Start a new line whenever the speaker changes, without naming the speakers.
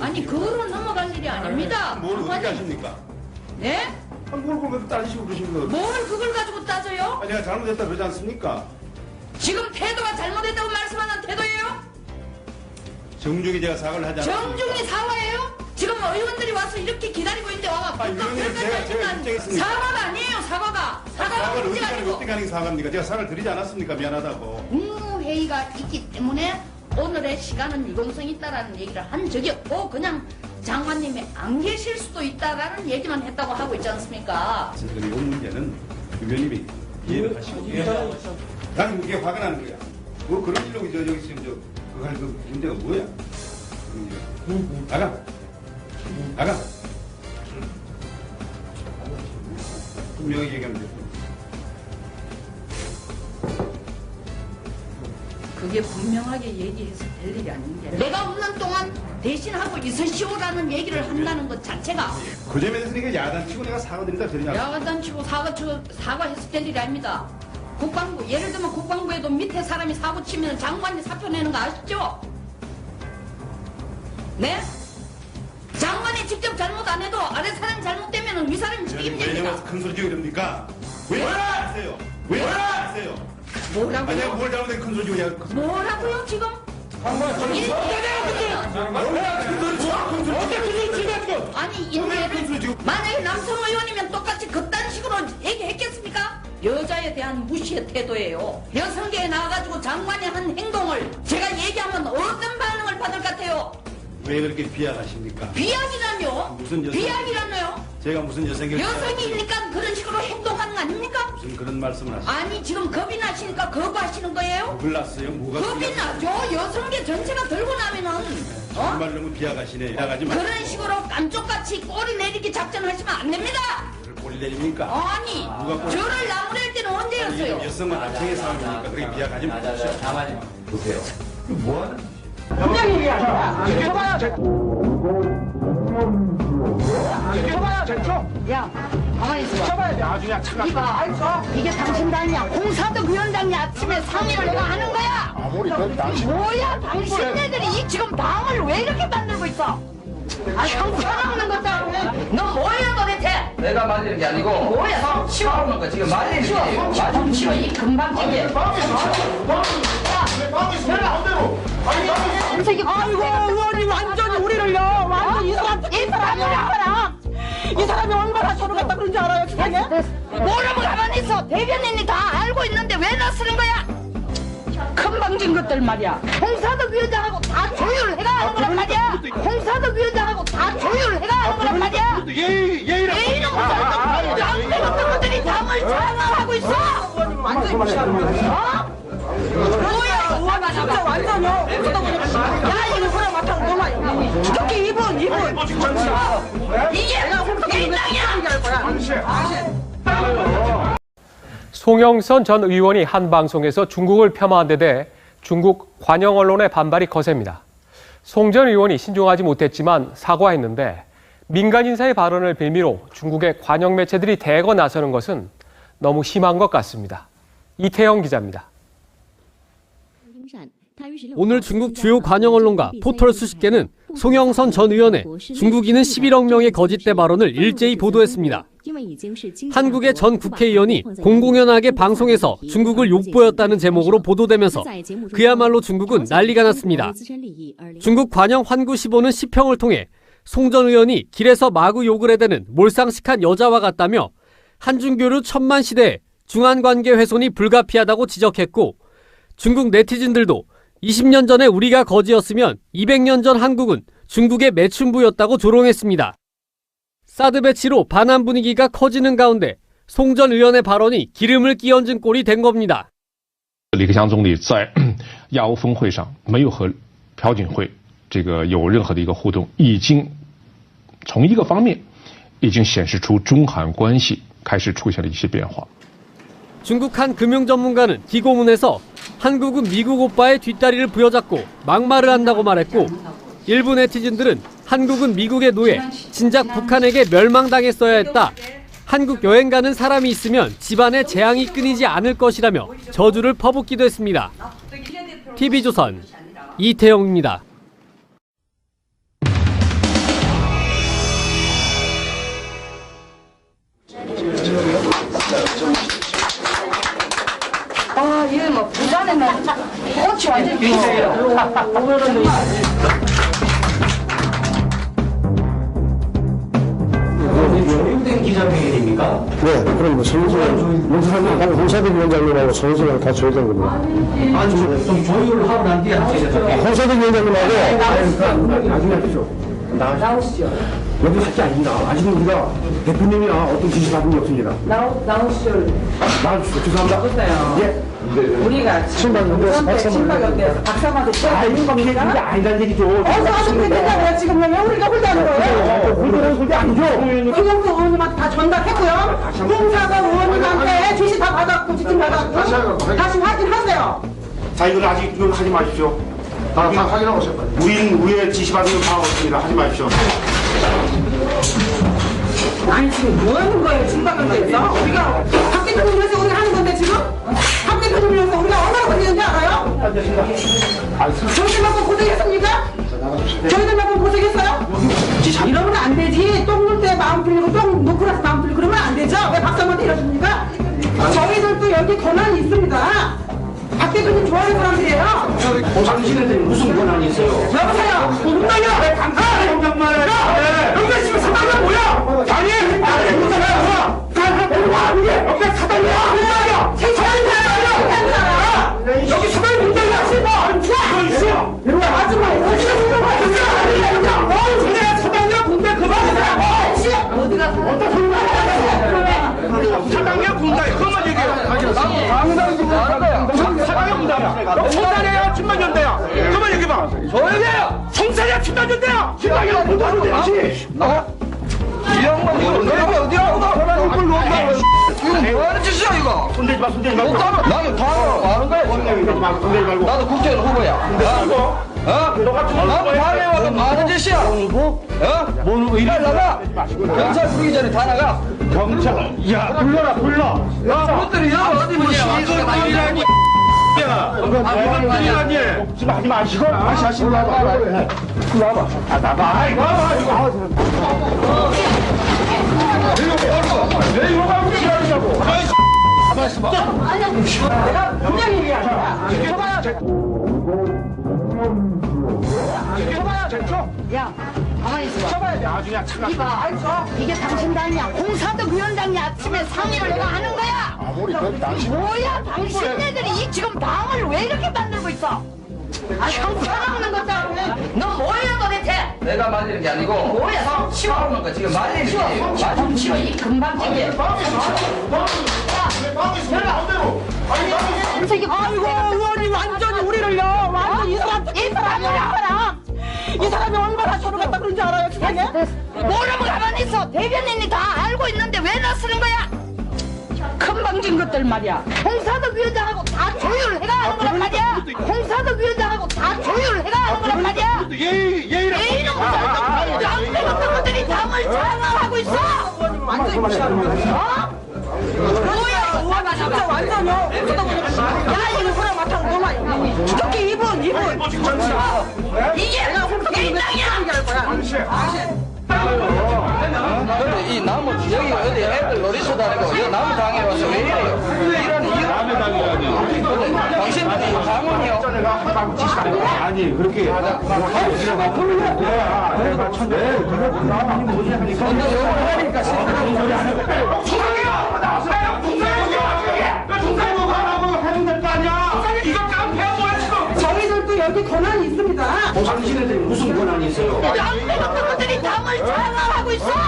아니 그거로 넘어갈 일이 아닙니다.
뭘 어떻게 하십니까?
네?
뭘 그걸 따지시고 그러신 거예요?
뭘 그걸 가지고 따져요?
아, 내가 잘못했다 그러지 않습니까?
지금 태도가 잘못했다고 말씀하는 태도예요?
정중히 제가 사과를 하지 않았습니까?
정중히 사과해요? 지금 의원들이 와서 이렇게 기다리고 있는데 와가
의원님 제가 입장했습니다.
사과가 아니에요. 사과가
사과를
문제가
어떻게
아니고
어떻게 하는 게 사과입니까? 제가 사과를 드리지 않았습니까? 미안하다고.
국무회의가 있기 때문에 오늘의 시간은 유동성이 있다라는 얘기를 한 적이 없고 그냥 장관님이 안 계실 수도 있다라는 얘기만 했다고 하고 있지 않습니까?
이 문제는 의원님이 이해를 하시고 나는 그게 화가 나는 거야. 뭐 그런 일로 저기 지금 그거 할 그 문제가 뭐야? 나가. 분명히 얘기하면 돼.
그게 분명하게 얘기해서 될 일이 아닌데 내가 없는 동안 대신하고 있으시오라는 얘기를 한다는 것 자체가
그 점에 대해서 내가 야단치고 내가 사과드린다 그러냐?
야단치고 사과해서 될 일이 아닙니다. 국방부 예를 들면 국방부에도 밑에 사람이 사고 치면 장관이 사표 내는 거 아시죠? 네? 장관이 직접 잘못 안 해도 아래 사람이 잘못되면 위 사람이
왜
책임집니다.
내가 큰 소리 지고 이럽니까? 왜 하세요? 왜 하세요? 아니 내가
뭐라고요?
뭘 잘못해 큰 소리 지고 내가
뭐라고요 지금? 아니 인제 만약에 남성 의원이면 똑같이 그딴 식으로 얘기했겠습니까? 여자에 대한 무시의 태도예요. 여성계에 나와가지고 장관이 한 행동을 제가 얘기하면 어떤 반응을 받을 것 같아요?
왜 그렇게 비하하십니까?
비약이라뇨?
무슨 여성-
비약이라뇨?
제가 무슨
여성이니까 그런 식으로 행동하는 거 아닙니까?
무슨 그런 말씀을 하시죠?
아니 지금 겁이 나시니까 거부하시는 거예요?
몰랐어요? 뭐가
겁이 나죠. 여성계 전체가 들고 나면은
정말 너무 비하가시네. 비하가지 마.
그런 식으로 깜쪽같이 꼬리 내리기 작전하시면 안 됩니다.
꼬리 내립니까?
아니
누가 꼬리-
저를 나무랄 때는 언제였어요?
여성과 남성의 싸움이니까 그렇게 비하가지 마십시오.
가만히 보세요.
그냥 얘기하자. 지켜봐야 제. 지켜봐야 제죠.
야 가만히 있어.
지켜봐야 돼. 아주 그냥 차가.
이봐 이게 당신 당이야. 홍사덕 위원장이 아침에 상의를 내가 하는 거야.
아무리 그 당신.
뭐야 당신네들이 지금 당을 왜 이렇게 만들고 있어? 아 형편없는 것도 너 뭐야 도대체?
내가 말리는 게 아니고
뭐야 치워
거 지금 말리는
치워
게
좀 치워 이 금방지게
아이고 의원님 완전히 우리를요. 완전 이 사람이 얼마나 서로 갖다 그런지 알아요 세상에?
뭐라고 가만히 있어. 대변인이 다 알고 있는데 왜 나서는 거야?
금방진 것들 말이야.
홍사덕 위원장하고 다 조율을 해가 하는 거란 말이야. 홍사덕 위원장하고 다 조율을 해가 하는 거란 말이야.
예의를
내일은 양대 같은 것들이 당을 장악하고 있어.
완전히 무시하는 거야.
뭐야
의원님 진짜 완전요. 야 이거 그래 맡아서 놀라. 특히 이분.
이게 일당이야.
송영선 전 의원이 한 방송에서 중국을 폄하한 데 대해 중국 관영 언론의 반발이 거셉니다. 송 전 의원이 신중하지 못했지만 사과했는데 민간 인사의 발언을 빌미로 중국의 관영 매체들이 대거 나서는 것은 너무 심한 것 같습니다. 이태영 기자입니다.
오늘 중국 주요 관영 언론과 포털 수십 개는 송영선 전 의원의 중국인은 11억 명의 거짓대 발언을 일제히 보도했습니다. 한국의 전 국회의원이 공공연하게 방송에서 중국을 욕보였다는 제목으로 보도되면서 그야말로 중국은 난리가 났습니다. 중국 관영 환구시보는 시평을 통해 송 전 의원이 길에서 마구 욕을 해대는 몰상식한 여자와 같다며 한중교류 천만 시대에 중한관계 훼손이 불가피하다고 지적했고 중국 네티즌들도 20년 전에 우리가 거지였으면 200년 전 한국은 중국의 매춘부였다고 조롱했습니다. 사드 배치로 반한 분위기가 커지는 가운데 송 전 의원의 발언이 기름을 끼얹은 꼴이 된 겁니다.
李克强总理在亚欧峰会上没有和朴槿惠有任何的一个互动，已经从一个方面已经显示出中韩关系开始出现了一些变化。
중국 한 금융 전문가는 기고문에서 한국은 미국 오빠의 뒷다리를 부여잡고 막말을 한다고 말했고 일부 네티즌들은 한국은 미국의 노예, 진작 북한에게 멸망당했어야 했다. 한국 여행 가는 사람이 있으면 집안에 재앙이 끊이지 않을 것이라며 저주를 퍼붓기도 했습니다. TV조선 이태영입니다.
기자회견입니까? 네, 그럼 뭐 홍사덕 위원장님하고 정수를 다 줘야 되는 겁니다.
아니, 좀 조율을 하고 난 뒤에 하셔야 돼요.
홍사덕 위원장님하고
나중에 하시죠.
나오시죠.
여기 할게 아닙니다. 아직은 우리가 대표님이나 어떤 지시 받은 게 없습니다.
나오시죠.
나와주시죠. 죄송합니다.
어때요?
예.
우리가 신박연대에서 박사마도
아니, 이게 아니란 얘기죠.
어서 와서 그랬다고요. 지금 왜 우리가 홀대하는 거예요?
홀대하는 소리 아니죠.
김영수 의원님한테 다 전달했고요. 홍사덕 의원님한테 지시 다 받았고 지침 받았고 다시 확인하세요.
자, 이건 아직 이건 하지 마십시오.
다 확인하고 오실 거예요.
우리의 지시 받은 건 다 없습니다. 하지 마십시오.
아니 지금 뭐 하는 거예요? 신박연대에서 우리가 박 대표님 위해서 우리가 하는 건데 지금 박 대표님 위해서 우리가 얼마나 고생했는지 알아요? 저희들만큼 고생했습니까? 저희들만큼 고생했어요? 이러면 안 되지. 똥 눌 때 마음 풀리고 똥 놓고 나서 마음 풀리고 그러면 안 되죠. 왜 박사한테 이러십니까? 저희들도 여기 권한이 있습니다. 박 대표님 좋아하는 사람들이에요.
당신한테 무슨 권한이 있어요?
여보세요.
공당이야! 왜 강사! 공장만 해! 야! 여기가 지금 사당이야 뭐야! 아니! 아니! 공장이야! 와! 이게! 여기가 사당이야! 공장이야! 여기 사당이 공장이야! 이거 있어! 이리 와! 아줌마! 이거 내가 사당이야! 공장 그만해!
어디가
어떤 소리야! 사당이야! 공장이야! 그것만 얘기해요! 사당이야! 공장이야! 공장이야! 친만연대야! 그만 얘기해봐!
조용해요!
총사야 친만연대야! 친만연대 못하면 되지!
이 양반 이거 내가 어디야?
얼굴 놓는다!
이거 뭐 하는 짓이야 이거?
손대지 마, 손대지 마!
나는 당하고 하는 거야 지금.
손대지 말고!
나도 국회의원 후보야.
너가 좀
나도 당에 와서 뭐 하는 짓이야? 빨리 나가. 경찰 부르기 전에 다 나가.
경찰! 야, 불러라, 불러!
그것들이 여기 어디 뭐냐?
이것들이라니! 야, 이것들이라니! 지금 하지 마시고, 다시 하시고 나와봐. 나와봐. 아, 나봐. 이거 나와봐, 이거. 왜 이거 가고 지랄이냐고! 가만히 있어봐.
내가 분명히 얘기하잖아.
야, 가만히 있어봐.
나중에 차가.
이봐, 이게 당신 당이야. 홍사덕 위원장이 아침에 상의를 내가 하는 거야.
아무리 그래도 당신
뭐야, 당신네들이 지금 당을 왜 이렇게 만들고 있어? 아, 형편없는 것들. 너 뭐야 도대체?
내가 말리는 게 아니고.
뭐야, 너 치워.
싸우는 거 지금 말리는
치워.
게.
좀 치워, 이 금방지게.
아이고 의원님 완전히 우리를요. 완전 이 사람이 얼마나 저를 갖다 그런지 알아요 세상에?
모르면 가만히 있어. 대변인이 다 알고 있는데 왜 나서는 거야?
금방진 것들 말이야.
홍사덕 위원장하고 다 조율을 해가 하는 거란 말이야. 홍사덕 위원장하고 다 조율을 해가 하는 거란 말이야. 예의는 무슨 양대 같은 것들이 당을 장악하고 있어.
완전히 무시하는 거야.
뭐야,
의원아 진짜 완전요. 야 이거 그래 맡아 너무 특히 이분
이게 이 땅이야.
근데 이 나무 여기 어디 애들 놀이터도 아니고 이 나무 당에 와서 왜 이래요? 이런 이유. 남의 당이라니. 당신들이 당원이요.
아니, 그렇게.
근데 요걸 하니까
저희들도 여기 권한이 있습니다.
당신한테 무슨 권한이 있어요?
양대 같은 것들이 당을 장악하고 있어.